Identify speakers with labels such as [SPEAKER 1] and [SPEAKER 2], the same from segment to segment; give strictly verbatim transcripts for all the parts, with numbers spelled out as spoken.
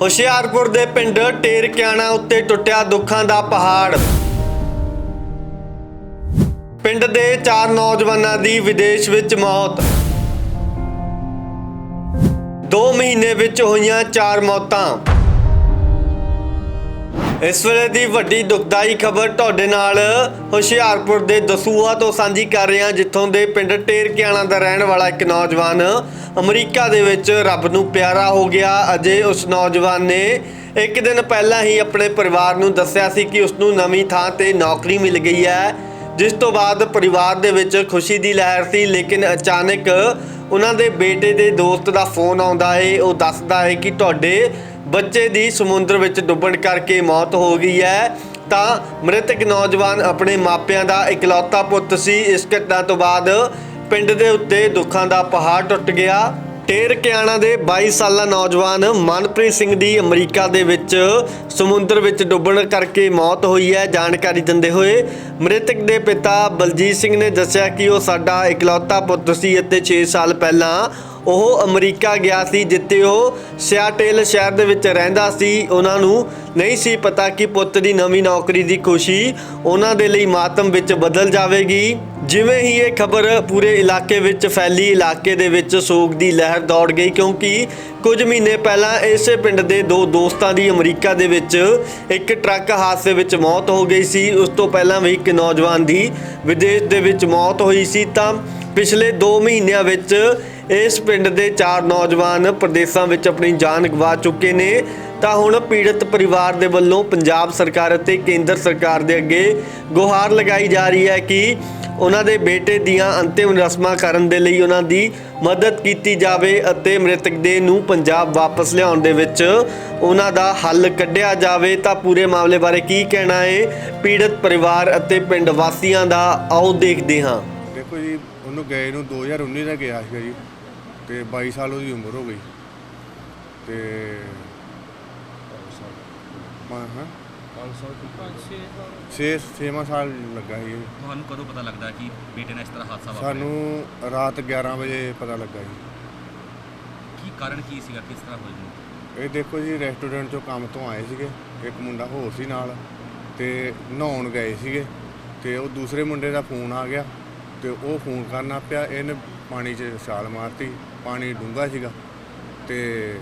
[SPEAKER 1] ਹੁਸ਼ਿਆਰਪੁਰ ਦੇ ਪਿੰਡ ਟੇਰਕਿਆਣਾ ਉੱਤੇ ਟੁੱਟਿਆ ਦੁੱਖਾਂ ਦਾ ਪਹਾੜ। ਪਿੰਡ ਦੇ ਚਾਰ ਨੌਜਵਾਨਾਂ ਦੀ ਵਿਦੇਸ਼ ਵਿੱਚ ਮੌਤ। ਦੋ ਮਹੀਨੇ ਵਿੱਚ ਹੋਈਆਂ ਚਾਰ ਮੌਤਾਂ। ਇਸ ਵੇਲੇ ਦੀ ਵੱਡੀ ਦੁਖਦਾਈ ਖਬਰ ਤੁਹਾਡੇ ਨਾਲ ਹੁਸ਼ਿਆਰਪੁਰ ਦੇ ਦਸੂਹਾ ਤੋਂ ਸਾਂਝੀ ਕਰ ਰਹੇ ਹਾਂ, ਜਿੱਥੋਂ ਦੇ ਪਿੰਡ ਟੇਰਕਿਆਣਾ ਦਾ ਰਹਿਣ ਵਾਲਾ ਇੱਕ ਨੌਜਵਾਨ ਅਮਰੀਕਾ ਦੇ ਵਿੱਚ ਰੱਬ ਨੂੰ ਪਿਆਰਾ ਹੋ ਗਿਆ। ਅਜੇ ਉਸ ਨੌਜਵਾਨ ਨੇ ਇੱਕ ਦਿਨ ਪਹਿਲਾਂ ਹੀ ਆਪਣੇ ਪਰਿਵਾਰ ਨੂੰ ਦੱਸਿਆ ਸੀ ਕਿ ਉਸ ਨੂੰ ਨਵੀਂ ਥਾਂ ਤੇ ਨੌਕਰੀ ਮਿਲ ਗਈ ਹੈ, ਜਿਸ ਤੋਂ ਬਾਅਦ ਪਰਿਵਾਰ ਦੇ ਵਿੱਚ ਖੁਸ਼ੀ ਦੀ ਲਹਿਰ ਸੀ। ਲੇਕਿਨ ਅਚਾਨਕ ਉਹਨਾਂ ਦੇ ਬੇਟੇ ਦੇ ਦੋਸਤ ਦਾ ਫੋਨ ਆਉਂਦਾ ਹੈ। ਉਹ ਦੱਸਦਾ ਹੈ ਕਿ ਤੁਹਾਡੇ ਬੱਚੇ ਦੀ ਸਮੁੰਦਰ ਵਿੱਚ ਡੁੱਬਣ ਕਰਕੇ ਮੌਤ ਹੋ ਗਈ ਹੈ। ਤਾਂ ਮ੍ਰਿਤਕ ਨੌਜਵਾਨ ਆਪਣੇ ਮਾਪਿਆਂ ਦਾ ਇਕਲੌਤਾ ਪੁੱਤ ਸੀ। ਇਸ ਘਟਨਾ ਤੋਂ ਬਾਅਦ ਪਿੰਡ ਦੇ ਉੱਤੇ ਦੁੱਖਾਂ ਦਾ ਪਹਾੜ ਟੁੱਟ ਗਿਆ। ਟੇਰਕਿਆਣਾ ਦੇ ਬਾਈ ਸਾਲਾ ਨੌਜਵਾਨ ਮਨਪ੍ਰੀਤ ਸਿੰਘ ਦੀ ਅਮਰੀਕਾ ਦੇ ਵਿੱਚ ਸਮੁੰਦਰ ਵਿੱਚ ਡੁੱਬਣ ਕਰਕੇ ਮੌਤ ਹੋਈ ਹੈ। ਜਾਣਕਾਰੀ ਦਿੰਦੇ ਹੋਏ ਮ੍ਰਿਤਕ ਦੇ ਪਿਤਾ ਬਲਜੀਤ ਸਿੰਘ ਨੇ ਦੱਸਿਆ ਕਿ ਉਹ ਸਾਡਾ ਇਕਲੌਤਾ ਪੁੱਤ ਸੀ ਅਤੇ ਛੇ ਸਾਲ ਪਹਿਲਾਂ ਉਹ ਅਮਰੀਕਾ ਗਿਆ ਸੀ, ਜਿੱਥੇ ਉਹ ਸਿਆਟਲ ਸ਼ਹਿਰ ਦੇ ਵਿੱਚ ਰਹਿੰਦਾ ਸੀ। ਉਹਨਾਂ ਨੂੰ ਨਹੀਂ ਸੀ ਪਤਾ ਕਿ ਪੁੱਤ ਦੀ ਨਵੀਂ ਨੌਕਰੀ ਦੀ ਖੁਸ਼ੀ ਉਹਨਾਂ ਦੇ ਲਈ ਮਾਤਮ ਵਿੱਚ ਬਦਲ ਜਾਵੇਗੀ। ਜਿਵੇਂ ਹੀ ਇਹ ਖਬਰ ਪੂਰੇ ਇਲਾਕੇ ਵਿੱਚ ਫੈਲੀ, ਇਲਾਕੇ ਦੇ ਵਿੱਚ ਸੋਗ ਦੀ ਲਹਿਰ ਦੌੜ ਗਈ, ਕਿਉਂਕਿ ਕੁਝ ਮਹੀਨੇ ਪਹਿਲਾਂ ਇਸੇ ਪਿੰਡ ਦੇ ਦੋ ਦੋਸਤਾਂ ਦੀ ਅਮਰੀਕਾ ਦੇ ਵਿੱਚ ਇੱਕ ਟਰੱਕ ਹਾਦਸੇ ਵਿੱਚ ਮੌਤ ਹੋ ਗਈ ਸੀ। ਉਸ ਤੋਂ ਪਹਿਲਾਂ ਵੀ ਇੱਕ ਨੌਜਵਾਨ ਦੀ ਵਿਦੇਸ਼ ਦੇ ਵਿੱਚ ਮੌਤ ਹੋਈ ਸੀ। ਤਾਂ ਪਿਛਲੇ ਦੋ ਮਹੀਨਿਆਂ ਵਿੱਚ ਇਸ ਪਿੰਡ ਦੇ ਚਾਰ ਨੌਜਵਾਨ ਪ੍ਰਦੇਸ਼ਾਂ ਵਿੱਚ ਆਪਣੀ ਜਾਨ ਗਵਾ ਚੁੱਕੇ ਨੇ। ਤਾਂ ਹੁਣ ਪੀੜਤ ਪਰਿਵਾਰ ਦੇ ਵੱਲੋਂ ਪੰਜਾਬ ਸਰਕਾਰ ਅਤੇ ਕੇਂਦਰ ਸਰਕਾਰ ਦੇ ਅੱਗੇ ਗੁਹਾਰ ਲਗਾਈ ਜਾ ਰਹੀ ਹੈ ਕਿ ਉਹਨਾਂ ਦੇ ਬੇਟੇ ਦੀਆਂ ਅੰਤਿਮ ਰਸਮਾਂ ਕਰਨ ਦੇ ਲਈ ਉਹਨਾਂ ਦੀ ਮਦਦ ਕੀਤੀ ਜਾਵੇ ਅਤੇ ਮ੍ਰਿਤਕ ਦੇਹ ਨੂੰ ਪੰਜਾਬ ਵਾਪਸ ਲਿਆਉਣ ਦੇ ਵਿੱਚ ਉਹਨਾਂ ਦਾ ਹੱਲ ਕੱਢਿਆ ਜਾਵੇ। ਤਾਂ ਪੂਰੇ ਮਾਮਲੇ ਬਾਰੇ ਕੀ ਕਹਿਣਾ ਹੈ ਪੀੜਤ ਪਰਿਵਾਰ ਅਤੇ ਪਿੰਡ ਵਾਸੀਆਂ ਦਾ, ਆਓ ਦੇਖਦੇ ਹਾਂ।
[SPEAKER 2] ਦੇਖੋ ਜੀ, ਉਹਨੂੰ ਗਏ ਨੂੰ ਦੋ ਹਜ਼ਾਰ ਉੱਨੀ ਦਾ ਗਿਆ ਸੀਗਾ ਜੀ, ਤੇ ਬਾਈ ਸਾਲ ਉਹਦੀ ਉਮਰ ਹੋ ਗਈ। ਤੇ ਹਾਂ ਛੇ ਛੇਵਾਂ ਸਾਲ ਲੱਗਾ ਸੀ।
[SPEAKER 3] ਤੁਹਾਨੂੰ ਕਦੋਂ ਪਤਾ ਲੱਗਦਾ ਕਿ ਬੇਟੇ ਨਾਲ ਇਸ ਤਰ੍ਹਾਂ ਹਾਦਸਾ ਵਾਪਰਿਆ?
[SPEAKER 2] ਸਾਨੂੰ ਰਾਤ ਗਿਆਰਾਂ ਵਜੇ ਪਤਾ ਲੱਗਾ ਜੀ।
[SPEAKER 3] ਕੀ ਕਾਰਨ ਕੀ ਸੀਗਾ, ਕਿਸ ਤਰ੍ਹਾਂ ਹੋਈ?
[SPEAKER 2] ਇਹ ਦੇਖੋ ਜੀ, ਰੈਸਟੋਰੈਂਟ 'ਚੋਂ ਕੰਮ ਤੋਂ ਆਏ ਸੀਗੇ, ਇੱਕ ਮੁੰਡਾ ਹੋਰ ਸੀ ਨਾਲ, ਤੇ ਨਹਾਉਣ ਗਏ ਸੀਗੇ, ਤੇ ਉਹ ਦੂਸਰੇ ਮੁੰਡੇ ਦਾ ਫੋਨ ਆ ਗਿਆ, ਤੇ ਉਹ ਫੋਨ ਕਰਨਾ ਪਿਆ। ਇਹਨੇ ਪਾਣੀ 'ਚ ਛਾਲ ਮਾਰਤੀ, ਪਾਣੀ ਡੂੰਘਾ ਸੀਗਾ, ਤੇ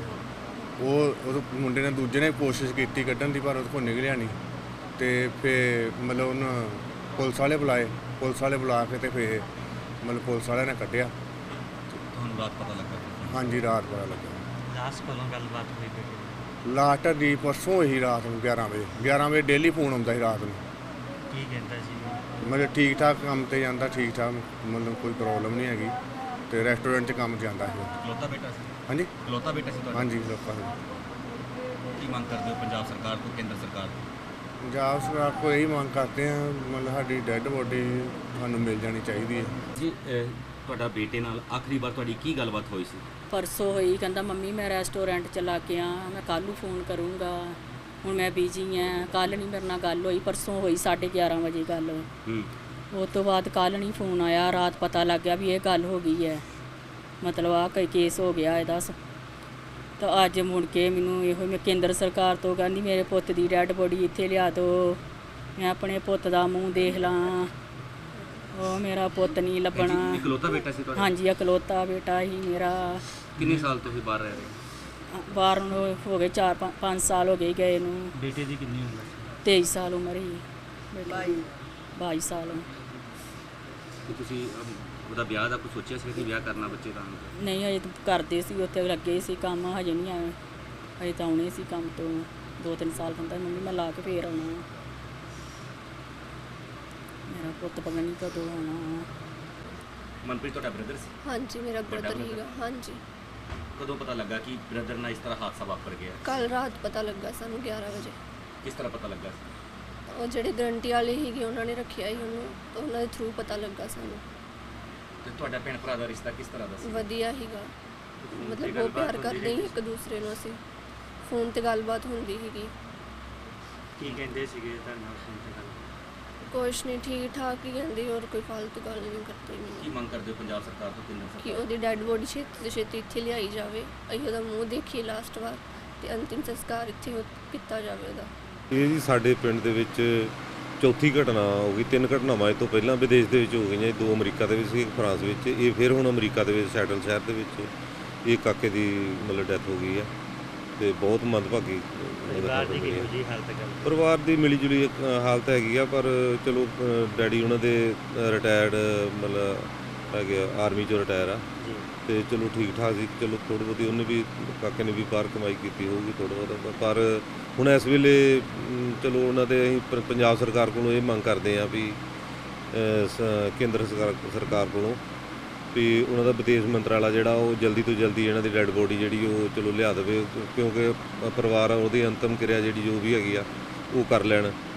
[SPEAKER 2] ਉਹ ਉਹ ਮੁੰਡੇ ਨੇ ਦੂਜੇ ਨੇ ਕੋਸ਼ਿਸ਼ ਕੀਤੀ ਕੱਢਣ ਦੀ, ਪਰ ਉਹਦੇ ਕੋਲ ਨਿਕਲਿਆ ਨਹੀਂ। ਤੇ ਫਿਰ ਮਤਲਬ ਉਹਨੂੰ ਪੁਲਿਸ ਵਾਲੇ ਬੁਲਾਏ, ਪੁਲਿਸ ਵਾਲੇ ਬੁਲਾ ਕੇ ਤੇ ਫਿਰ ਮਤਲਬ ਪੁਲਿਸ ਵਾਲਿਆਂ ਨੇ ਕੱਢਿਆ।
[SPEAKER 3] ਤੁਹਾਨੂੰ ਰਾਤ ਪਤਾ ਲੱਗਾ? ਹਾਂਜੀ,
[SPEAKER 2] ਰਾਤ ਪਤਾ ਲੱਗਾ।
[SPEAKER 3] ਲਾਸਟ ਕੋਲੋਂ ਗੱਲਬਾਤ ਹੋਈ ਬੇਟੇ?
[SPEAKER 2] ਲਾਸਟ ਦੀ ਪਰਸੋਂ ਹੀ ਰਾਤ ਨੂੰ ਗਿਆਰਾਂ ਵਜੇ ਗਿਆਰਾਂ ਵਜੇ ਡੇਲੀ ਫੋਨ ਆਉਂਦਾ ਸੀ ਰਾਤ ਨੂੰ।
[SPEAKER 3] ਕੀ ਕਹਿੰਦਾ ਸੀ?
[SPEAKER 2] ਮਤਲਬ ਠੀਕ ਠਾਕ ਕੰਮ ਤੇ ਜਾਂਦਾ, ਠੀਕ ਠਾਕ, ਮਤਲਬ ਕੋਈ ਪ੍ਰੋਬਲਮ ਨਹੀਂ ਹੈਗੀ, ਤੇ ਰੈਸਟੋਰੈਂਟ 'ਚ ਕੰਮ ਜਾਂਦਾ ਸੀ।
[SPEAKER 3] ਇਕਲੌਤਾ ਬੇਟਾ ਸੀ?
[SPEAKER 2] ਹਾਂਜੀ,
[SPEAKER 3] ਇਕਲੌਤਾ ਬੇਟਾ ਸੀ ਤੁਹਾਡਾ?
[SPEAKER 2] ਹਾਂਜੀ, ਲੋਕਾਂ ਨੂੰ।
[SPEAKER 3] ਕੀ ਮੰਗ ਕਰਦੇ ਹੋ ਪੰਜਾਬ ਸਰਕਾਰ ਤੋਂ, ਕੇਂਦਰ ਸਰਕਾਰ ਤੋਂ?
[SPEAKER 2] ਪੰਜਾਬ ਸਰਕਾਰ ਕੋਲ ਇਹੀ ਮੰਗ ਕਰਦੇ ਹਾਂ, ਮਤਲਬ ਸਾਡੀ ਡੈੱਡ ਬੋਡੀ ਸਾਨੂੰ ਮਿਲ ਜਾਣੀ ਚਾਹੀਦੀ ਹੈ
[SPEAKER 3] ਜੀ। ਤੁਹਾਡਾ ਬੇਟੇ ਨਾਲ ਆਖਰੀ ਵਾਰ ਤੁਹਾਡੀ ਕੀ ਗੱਲਬਾਤ ਹੋਈ ਸੀ?
[SPEAKER 4] ਪਰਸੋਂ ਹੋਈ। ਕਹਿੰਦਾ ਮੰਮੀ ਮੈਂ ਰੈਸਟੋਰੈਂਟ ਚਲਾ ਕੇ ਆ, ਮੈਂ ਕੱਲ੍ਹ ਨੂੰ ਫੋਨ ਕਰੂੰਗਾ, ਹੁਣ ਮੈਂ ਬਿਜੀ ਹਾਂ, ਕੱਲ੍ਹ ਨਹੀਂ ਮੇਰੇ ਨਾਲ ਗੱਲ ਹੋਈ। ਪਰਸੋਂ ਹੋਈ ਸਾਢੇ ਗਿਆਰਾਂ ਵਜੇ ਗੱਲ।
[SPEAKER 3] ਹੂੰ।
[SPEAKER 4] ਉਸ ਤੋਂ ਬਾਅਦ ਕੱਲ੍ਹ ਨਹੀਂ ਫੋਨ ਆਇਆ। ਰਾਤ ਪਤਾ ਲੱਗ ਗਿਆ ਵੀ ਇਹ ਗੱਲ ਹੋ ਗਈ ਹੈ, ਮਤਲਬ ਆਹ ਕੋਈ ਕੇਸ ਹੋ ਗਿਆ ਇਹਦਾ। ਤਾਂ ਅੱਜ ਮੁੜ ਕੇ ਮੈਨੂੰ ਇਹੋ ਮੈਂ ਕੇਂਦਰ ਸਰਕਾਰ ਤੋਂ ਕਹਿੰਦੀ ਮੇਰੇ ਪੁੱਤ ਦੀ ਡੈਡ ਬੋਡੀ ਇੱਥੇ ਲਿਆ ਦਿਓ, ਮੈਂ ਆਪਣੇ ਪੁੱਤ ਦਾ ਮੂੰਹ ਦੇਖ ਲਾਂ। ਉਹ ਮੇਰਾ ਪੁੱਤ ਨਹੀਂ ਲੱਭਣਾ।
[SPEAKER 3] ਇਕਲੌਤਾ ਬੇਟਾ ਸੀ ਤੁਹਾਡਾ? ਹਾਂਜੀ,
[SPEAKER 4] ਇਕਲੌਤਾ ਬੇਟਾ ਹੀ ਮੇਰਾ।
[SPEAKER 3] ਕਿੰਨੇ ਸਾਲ ਤੋਂ ਹੀ ਬਾਹਰ ਰਹਿ ਰਹੇ?
[SPEAKER 4] ਬਾਹਰ ਨੂੰ ਹੋ ਗਏ ਚਾਰ ਪੰਜ ਸਾਲ ਹੋ ਗਏ ਗਏ ਨੂੰ।
[SPEAKER 3] ਬੇਟੇ ਦੀ ਕਿੰਨੀ ਉਮਰ ਸੀ?
[SPEAKER 4] ਤੇਈ ਸਾਲ ਉਮਰ ਹੀ। ਬਾਈ ਬਾਈ ਸਾਲ।
[SPEAKER 3] ਤੇ ਤੁਸੀਂ ਉਹਦਾ ਵਿਆਹ ਦਾ ਕੁਝ ਸੋਚਿਆ ਸੀ ਕਿ ਵਿਆਹ ਕਰਨਾ ਬੱਚੇ ਦਾ?
[SPEAKER 4] ਨਹੀਂ, ਹਜੇ ਤਾਂ ਕਰਦੇ ਸੀ, ਉੱਥੇ ਲੱਗੇ ਸੀ ਕੰਮ, ਹਜੇ ਨਹੀਂ ਆਏ। ਹਜੇ ਤਾਂ ਆਉਣੇ ਸੀ ਕੰਮ ਤੋਂ ਦੋ ਤਿੰਨ ਸਾਲ। ਕਹਿੰਦਾ ਮੰਮੀ ਮੈਂ ਲਾ ਕੇ ਫੇਰ ਆਉਣਾ, ਮੇਰਾ ਪੁੱਤ ਪਤਾ ਨਹੀਂ ਕਦੋਂ ਆਉਣਾ।
[SPEAKER 3] ਮਨਪ੍ਰੀਤ ਤੁਹਾਡਾ ਬ੍ਰਦਰ ਸੀ?
[SPEAKER 5] ਹਾਂਜੀ, ਮੇਰਾ ਬ੍ਰਦਰ ਹੀਗਾ। ਹਾਂਜੀ।
[SPEAKER 3] ਕਦੋਂ ਪਤਾ ਲੱਗਾ ਕਿ ਬ੍ਰਦਰ ਨਾਲ ਇਸ ਤਰ੍ਹਾਂ ਹਾਦਸਾ ਵਾਪਰ ਗਿਆ?
[SPEAKER 5] ਕੱਲ ਰਾਤ ਪਤਾ ਲੱਗਾ ਸਾਨੂੰ ਗਿਆਰਾਂ ਵਜੇ।
[SPEAKER 3] ਕਿਸ ਤਰ੍ਹਾਂ ਪਤਾ ਲੱਗਾ?
[SPEAKER 5] ਉਹ ਜਿਹੜੇ ਗਰੰਟੀ ਵਾਲੇ ਸੀਗੇ ਉਹਨਾਂ ਨੇ ਰੱਖਿਆ ਸੀ ਉਹਨੂੰ, ਤਾਂ ਉਹਨਾਂ ਦੇ ਥਰੂ ਪਤਾ ਲੱਗਾ ਸਾਨੂੰ।
[SPEAKER 3] ਤੇ ਤੁਹਾਡਾ ਭੈਣ ਭਰਾ ਦਾ ਰਿਸ਼ਤਾ ਕਿਸ ਤਰ੍ਹਾਂ ਦਾ ਸੀ?
[SPEAKER 5] ਵਧੀਆ ਸੀਗਾ, ਮਤਲਬ ਬਹੁਤ ਪਿਆਰ ਕਰਦੇ ਸੀ ਇੱਕ ਦੂਸਰੇ ਨੂੰ। ਅਸੀਂ ਫੋਨ ਤੇ ਗੱਲਬਾਤ ਹੁੰਦੀ ਸੀਗੀ।
[SPEAKER 3] ਕੀ ਕਹਿੰਦੇ ਸੀਗੇ ਤੁਹਾਨੂੰ ਫੋਨ ਤੇ ਗੱਲ?
[SPEAKER 5] ਕੁਛ ਨਹੀਂ, ਠੀਕ ਠਾਕ ਹੀ ਕਹਿੰਦੇ, ਹੋਰ ਕੋਈ ਫालतू ਗੱਲ ਨਹੀਂ ਕਰਦੇ।
[SPEAKER 3] ਕੀ
[SPEAKER 5] ਮੈਨੂੰ
[SPEAKER 3] ਮੰਗ ਕਰਦੇ ਹੋ ਪੰਜਾਬ ਸਰਕਾਰ ਤੋਂ, ਕੇਂਦਰ
[SPEAKER 5] ਕਿ
[SPEAKER 3] ਸਰਕਾਰ?
[SPEAKER 5] ਉਹਦੀ ਡੈਡ ਬੋਡੀ ਛੇਤੀ ਤੋਂ ਛੇਤੀ ਇੱਥੇ ਲਿਆਈ ਜਾਵੇ, ਅਸੀਂ ਉਹਦਾ ਮੂੰਹ ਦੇਖੀਏ ਲਾਸਟ ਵਾਰ, ਤੇ ਅੰਤਿਮ ਸੰਸਕਾਰ ਇੱਥੇ ਹੋ- ਕੀਤਾ ਜਾਵੇ ਉਹਦਾ।
[SPEAKER 6] ਇਹ ਜੀ ਸਾਡੇ ਪਿੰਡ ਦੇ ਵਿੱਚ ਚੌਥੀ ਘਟਨਾ ਹੋ ਗਈ। ਤਿੰਨ ਘਟਨਾਵਾਂ ਇਹ ਤੋਂ ਪਹਿਲਾਂ ਵਿਦੇਸ਼ ਦੇ ਵਿੱਚ ਹੋ ਗਈਆਂ ਜੀ। ਦੋ ਅਮਰੀਕਾ ਦੇ ਵਿੱਚ ਸੀ, ਇੱਕ ਫਰਾਂਸ ਵਿੱਚ। ਇਹ ਫਿਰ ਹੁਣ ਅਮਰੀਕਾ ਦੇ ਵਿੱਚ ਸੈਟਲ ਸ਼ਹਿਰ ਦੇ ਵਿੱਚ ਇਹ ਕਾਕੇ ਦੀ ਮਤਲਬ ਡੈਥ ਹੋ ਗਈ ਹੈ ਤੇ ਬਹੁਤ ਮੰਦਭਾਗੀ
[SPEAKER 3] ਪਰਿਵਾਰ ਦੀ ਕਿਹੋ ਜਿਹੀ ਹਾਲਤ ਹੈ?
[SPEAKER 6] ਪਰਿਵਾਰ ਦੀ ਮਿਲੀ ਜੁਲੀ ਇੱਕ, ਅ, ਹਾਲਤ ਹੈਗੀ ਆ, ਪਰ ਚਲੋ ਅ, ਡੈਡੀ ਉਹਨਾਂ ਦੇ ਰਿਟਾਇਰਡ ਮਤਲਬ ਹੈਗੇ ਆਰਮੀ ਚੋਂ ਰਿਟਾਇਰ ਆ
[SPEAKER 3] ਜੀ
[SPEAKER 6] ਤੇ ਚਲੋ ਠੀਕ ਠਾਕ ਸੀ। ਚਲੋ ਥੋੜ੍ਹੀ ਬਹੁਤੀ ਉਹਨੇ ਵੀ ਕਾਕੇ ਨੇ ਵੀ ਬਾਹਰ ਕਮਾਈ ਕੀਤੀ ਹੋਊਗੀ ਥੋੜ੍ਹਾ ਬਹੁਤਾ, ਪਰ ਹੁਣ ਇਸ ਵੇਲੇ ਅਮ, ਚਲੋ ਉਹਨਾਂ ਦੇ ਅਸੀਂ ਪ- ਪੰਜਾਬ ਸਰਕਾਰ ਕੋਲੋਂ ਇਹ ਮੰਗ ਕਰਦੇ ਹਾਂ ਵੀ ਅ, ਸ- ਕੇਂਦਰ ਸਰਕਾਰ ਸਰਕਾਰ ਕੋਲੋਂ ਵੀ ਉਹਨਾਂ ਦਾ ਵਿਦੇਸ਼ ਮੰਤਰਾਲਾ ਜਿਹੜਾ ਉਹ ਜਲਦੀ ਤੋਂ ਜਲਦੀ ਇਹਨਾਂ ਦੀ ਡੈੱਡ ਬੋਡੀ ਜਿਹੜੀ ਉਹ ਚਲੋ ਲਿਆ ਦੇਵੇ, ਕਿਉਂਕਿ ਪਰਿਵਾਰ ਉਹਦੀ ਅੰਤਮ ਕਿਰਿਆ ਜਿਹੜੀ ਜੋ ਵੀ ਹੈਗੀ ਆ ਉਹ ਕਰ ਲੈਣ।